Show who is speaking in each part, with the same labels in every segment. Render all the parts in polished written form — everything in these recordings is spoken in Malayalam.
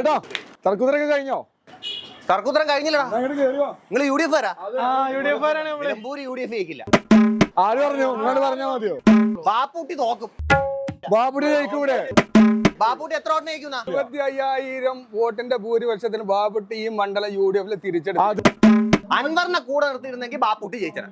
Speaker 1: തർക്കുത്തരൊക്കെ കഴിഞ്ഞോ?
Speaker 2: തർക്കുത്തരം കഴിഞ്ഞില്ലടാ. നിങ്ങൾ UDF നിലമ്പൂർ UDF ജയിക്കില്ല.
Speaker 1: ആര് പറഞ്ഞു? ഇങ്ങോട്ട് പറഞ്ഞാ മതിയോ?
Speaker 2: ബാപ്പുട്ടി തോക്കും.
Speaker 1: ബാപ്പുട്ടി ജയിക്കും ഇവിടെ.
Speaker 2: ബാപ്പുട്ടി എത്ര വോട്ടിന് ജയിക്കുന്ന?
Speaker 3: 25,000 വോട്ടിന്റെ ഭൂരിപക്ഷത്തിന് ബാപ്പുട്ടി ഈ മണ്ഡലം UDF തിരിച്ചെടുത്തു.
Speaker 2: അൻവറിനെ കൂടെ നിർത്തിയിരുന്നെങ്കിൽ ബാപ്പുട്ടി ജയിച്ചത്.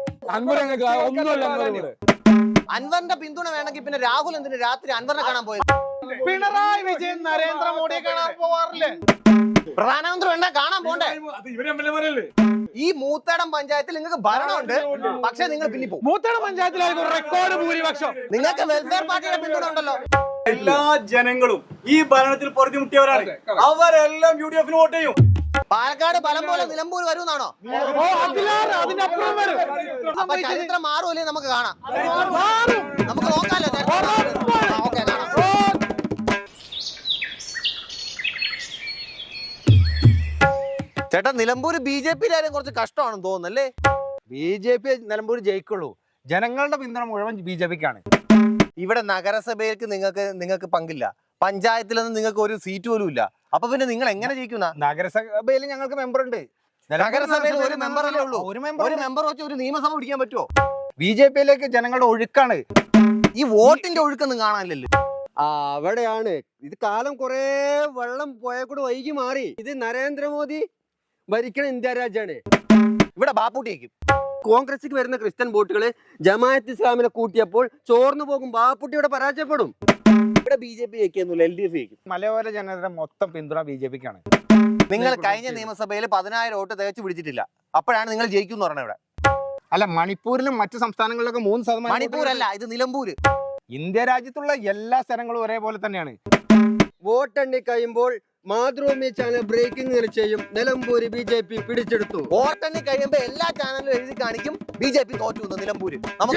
Speaker 2: അൻവറിന്റെ പിന്തുണ വേണമെങ്കിൽ പിന്നെ രാഹുൽ എന്തിന് രാത്രി അൻവറിനെ കാണാൻ പോയത്?
Speaker 4: പിണറായി വിജയൻ നരേന്ദ്രമോദിയെ കാണാൻ പോവാറില്ലേ?
Speaker 2: പ്രധാനമന്ത്രി വേണ്ട കാണാൻ പോണ്ടേ? ഈ മൂത്തേടം പഞ്ചായത്തിൽ നിങ്ങൾക്ക് ഭരണമുണ്ട്, പക്ഷെ നിങ്ങൾ പിന്നിപ്പോകും.
Speaker 4: മൂത്തേടം പഞ്ചായത്തിലായിരുന്നു റെക്കോർഡ് ഭൂരിപക്ഷം.
Speaker 2: നിങ്ങൾക്ക് വെൽഫെയർ പാർട്ടിയുടെ പിന്തുണ ഉണ്ടല്ലോ.
Speaker 5: എല്ലാ ജനങ്ങളും ഈ ഭരണത്തിൽ പൊറുതിമുട്ടിയവരാണ്. അവരെല്ലാം UDF വോട്ട് ചെയ്യും.
Speaker 2: പാലക്കാട് ഫലം പോലെ നിലമ്പൂർ വരുമെന്നാണോ?
Speaker 4: അതിനപ്പുറം വരും.
Speaker 2: അപ്പൊ ചരിത്രം മാറുമല്ലേ? നമുക്ക് കാണാം, നമുക്ക് നോക്കാലോ. ഓക്കെ, കാണാം. ചേട്ടാ, നിലമ്പൂർ BJP-യിലായാലും കുറച്ച് കഷ്ടമാണെന്ന് തോന്നുന്നല്ലേ?
Speaker 4: BJP നിലമ്പൂർ ജയിക്കുള്ളൂ. ജനങ്ങളുടെ പിന്തുണ മുഴുവൻ BJP-ക്കാണ്.
Speaker 2: ഇവിടെ നഗരസഭയിലേക്ക് നിങ്ങൾക്ക് പങ്കില്ല, പഞ്ചായത്തിലൊന്നും നിങ്ങൾക്ക് ഒരു സീറ്റ് പോലും ഇല്ല. അപ്പൊ പിന്നെ നിങ്ങൾ എങ്ങനെ ജയിക്കുന്ന?
Speaker 4: നഗരസഭയിൽ ഞങ്ങൾക്ക് മെമ്പർ ഉണ്ട്.
Speaker 2: നഗരസഭയിൽ ഒരു മെമ്പറല്ലേ ഉള്ളൂ. ഒരു മെമ്പർ വെച്ച് ഒരു നിയമസഭ പിടിക്കാൻ പറ്റുമോ?
Speaker 4: BJP-യിലേക്ക് ജനങ്ങളുടെ ഒഴുക്കാണ്.
Speaker 2: ഈ വോട്ടിന്റെ ഒഴുക്കൊന്നും കാണാനില്ലല്ലോ.
Speaker 6: അവിടെയാണ് ഇത്. കാലം കുറെ വെള്ളം പോയ കൂടെ വൈകി മാറി. ഇത് നരേന്ദ്രമോദി ഭരിക്കണ ഇന്ത്യ രാജ്യമാണ്.
Speaker 2: ഇവിടെ ബാപ്പുട്ടിയേക്കും
Speaker 6: കോൺഗ്രസിലേക്ക് വരുന്ന ക്രിസ്ത്യൻ വോട്ടുകള് ജമാഅത്ത് ഇസ്ലാമിനെ കൂട്ടിയപ്പോൾ ചോർന്നു പോകും. ബാപ്പുട്ടിയുടെ പരാജയപ്പെടും.
Speaker 2: ഇവിടെ BJP ജയിക്കുന്നില്ല, LDF ജയിക്കും.
Speaker 4: മലയോര ജനതയുടെ മൊത്തം പിന്തുണ BJP-ക്കാണ്.
Speaker 2: നിങ്ങൾ കഴിഞ്ഞ നിയമസഭയിൽ 10,000 വോട്ട് തികച്ചു പിടിച്ചിട്ടില്ല. അപ്പോഴാണ് നിങ്ങൾ ജയിക്കും എന്ന് പറഞ്ഞത്. ഇവിടെ
Speaker 4: അല്ല, മണിപ്പൂരിലും മറ്റു സംസ്ഥാനങ്ങളിലൊക്കെ 3%.
Speaker 2: മണിപ്പൂരല്ല, ഇത് നിലമ്പൂര്.
Speaker 4: ഇന്ത്യ രാജ്യത്തുള്ള എല്ലാ സ്ഥലങ്ങളും ഒരേപോലെ തന്നെയാണ്.
Speaker 6: വോട്ടെണ്ണി കഴിയുമ്പോൾ മാതൃഭൂമി ചാനൽ ബ്രേക്കിംഗ് ചെയ്യും. നിലമ്പൂര് BJP പിടിച്ചെടുത്തു.
Speaker 2: വോട്ടെണ്ണി കഴിയുമ്പോ എല്ലാ ചാനലിലും എഴുതി കാണിക്കും BJP തോറ്റു നിലമ്പൂര്.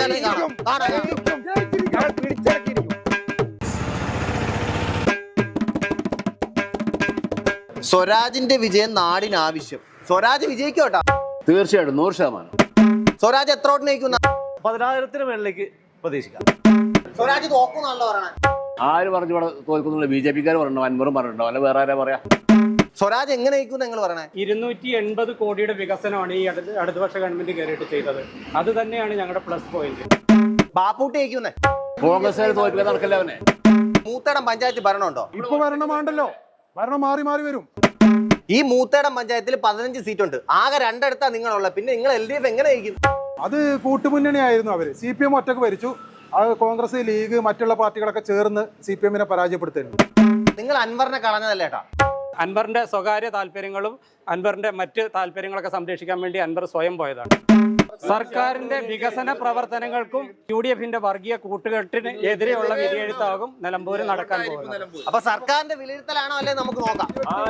Speaker 2: സ്വരാജിന്റെ വിജയം നാടിന് ആവശ്യം. സ്വരാജ് വിജയിക്കോട്ടാ?
Speaker 7: തീർച്ചയായിട്ടും 100%.
Speaker 2: സ്വരാജ് എത്ര വോട്ടിന് ജയിക്കുന്ന?
Speaker 7: 10,000-ന് മേളിലേക്ക് പ്രതീക്ഷിക്കാം.
Speaker 2: സ്വരാജ് തോക്കുന്നാണല്ലോ പറയണേ.
Speaker 7: ആര് പറഞ്ഞു ഇവിടെ തോൽക്കുന്നുള്ള? BJP-ക്കാർ പറഞ്ഞോ, അൻവറും പറഞ്ഞിട്ടുണ്ടോ, അല്ല വേറെ ആരാ പറയാ?
Speaker 2: സ്വരാജ് എങ്ങനെ ജയിക്കും നിങ്ങൾ പറയണേ?
Speaker 8: 280 കോടിയുടെ വികസനമാണ് ഈ അടുത്ത വർഷ ഗവൺമെന്റ് കയറിയിട്ട് ചെയ്തത്. അത് തന്നെയാണ് ഞങ്ങളുടെ പ്ലസ് പോയിന്റ്.
Speaker 2: ബാപ്പൂട്ടി ജയിക്കുന്നേ?
Speaker 7: കോൺഗ്രസ് തോൽപ്പിക്കാൻ നടക്കല്ലേ അവനെ?
Speaker 2: മൂത്തേടം പഞ്ചായത്ത് ഭരണമുണ്ടോ?
Speaker 1: ഇപ്പൊ ഭരണമാണ്ടല്ലോ, ഭരണം മാറി മാറി വരും.
Speaker 2: ഈ മൂത്തേടം പഞ്ചായത്തിൽ 15 സീറ്റുണ്ട്. ആകെ 2 എടുത്താ നിങ്ങളുള്ള. പിന്നെ നിങ്ങൾ LDF എങ്ങനെ ജയിക്കും?
Speaker 1: അത് കൂട്ടുമുന്നണി ആയിരുന്നു. അവര് CPM ഒറ്റക്ക് ഭരിച്ചു. അത് കോൺഗ്രസ്, ലീഗ്, മറ്റുള്ള പാർട്ടികളൊക്കെ ചേർന്ന് CPM-നെ പരാജയപ്പെടുത്തുന്നു.
Speaker 2: നിങ്ങൾ അൻവറിനെ കളഞ്ഞതല്ലേട്ടാ?
Speaker 8: അൻവറിന്റെ സ്വകാര്യ താല്പര്യങ്ങളും അൻവറിന്റെ മറ്റ് താല്പര്യങ്ങളൊക്കെ സംരക്ഷിക്കാൻ വേണ്ടി അൻവർ സ്വയം പോയതാണ്. സർക്കാരിന്റെ വികസന പ്രവർത്തനങ്ങൾക്കും UDF-ന്റെ വർഗീയ കൂട്ടുകെട്ടിന് എതിരെയുള്ള വിധിയെഴുത്താകും നിലമ്പൂര് നടക്കാൻ പോകുന്നത്.
Speaker 2: അപ്പൊ സർക്കാരിന്റെ വിലയിരുത്തലാണോ അല്ലേ? നമുക്ക് നോക്കാം.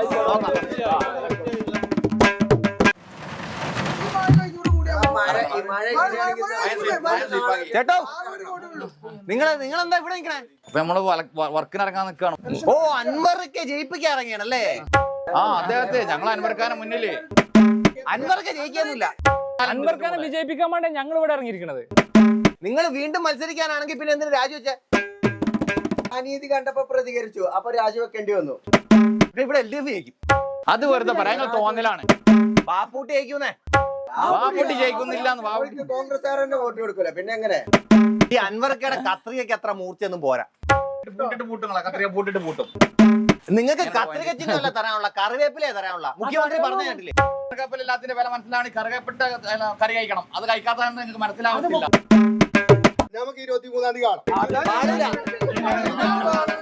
Speaker 2: ചേട്ടോ, നിങ്ങളെന്താ ഇവിടെ നിൽക്കണേ?
Speaker 9: നമ്മള് വർക്കിന് ഇറങ്ങാൻ നിൽക്കണം.
Speaker 2: ഓ, അൻവർക്ക് ജയിപ്പിക്കാൻ ഇറങ്ങിയാണല്ലേ?
Speaker 9: അദ്ദേഹത്തെ ഞങ്ങൾ അൻവർക്കാനെ മുന്നില്.
Speaker 2: അൻവർക്ക് ജയിക്കാന്നില്ല,
Speaker 8: അൻവർക്കാനെ വിജയിപ്പിക്കാൻ വേണ്ടി ഞങ്ങൾ ഇവിടെ ഇറങ്ങിയിരിക്കുന്നത്.
Speaker 2: നിങ്ങൾ വീണ്ടും മത്സരിക്കാനാണെങ്കിൽ പിന്നെ എന്തിനു രാജിവെച്ച?
Speaker 6: അനീതി കണ്ടപ്പോ പ്രതികരിച്ചു, അപ്പൊ രാജിവെക്കേണ്ടി വന്നു.
Speaker 2: ഇവിടെ LDF ജയിക്കും.
Speaker 9: അത് വെറുതെ പറയാൻ തോന്നലാണ്.
Speaker 2: ബാപ്പൂട്ടി ജയിക്കുന്നേ?
Speaker 9: ബാപ്പുട്ടി ജയിക്കുന്നില്ല.
Speaker 6: കോൺഗ്രസ്സുകാരന്റെ വോട്ട് കൊടുക്കൂല, പിന്നെ എങ്ങനെ?
Speaker 2: ഈ അൻവർക്കയുടെ കത്രികയ്ക്ക് അത്ര മൂർച്ചയൊന്നും പോരാ.
Speaker 9: പൂട്ടിട്ട് പൂട്ടും.
Speaker 2: നിങ്ങൾക്ക് കത്രിക ചിഹ്നമല്ല തരാനുള്ള, കറിവേപ്പിലേ തരാനുള്ള. മുഖ്യമന്ത്രി പറഞ്ഞു കേട്ടില്ലേ?
Speaker 9: കറിവേപ്പിലെല്ലാത്തിന്റെ വില മനസ്സിലാണ്. കറിവേപ്പിട്ട കറി കഴിക്കണം. അത് കഴിക്കാത്തതാണ് നിങ്ങൾക്ക് മനസ്സിലാവുന്നില്ല.
Speaker 1: നമുക്ക് 23-ാം തീയതി കാണാം.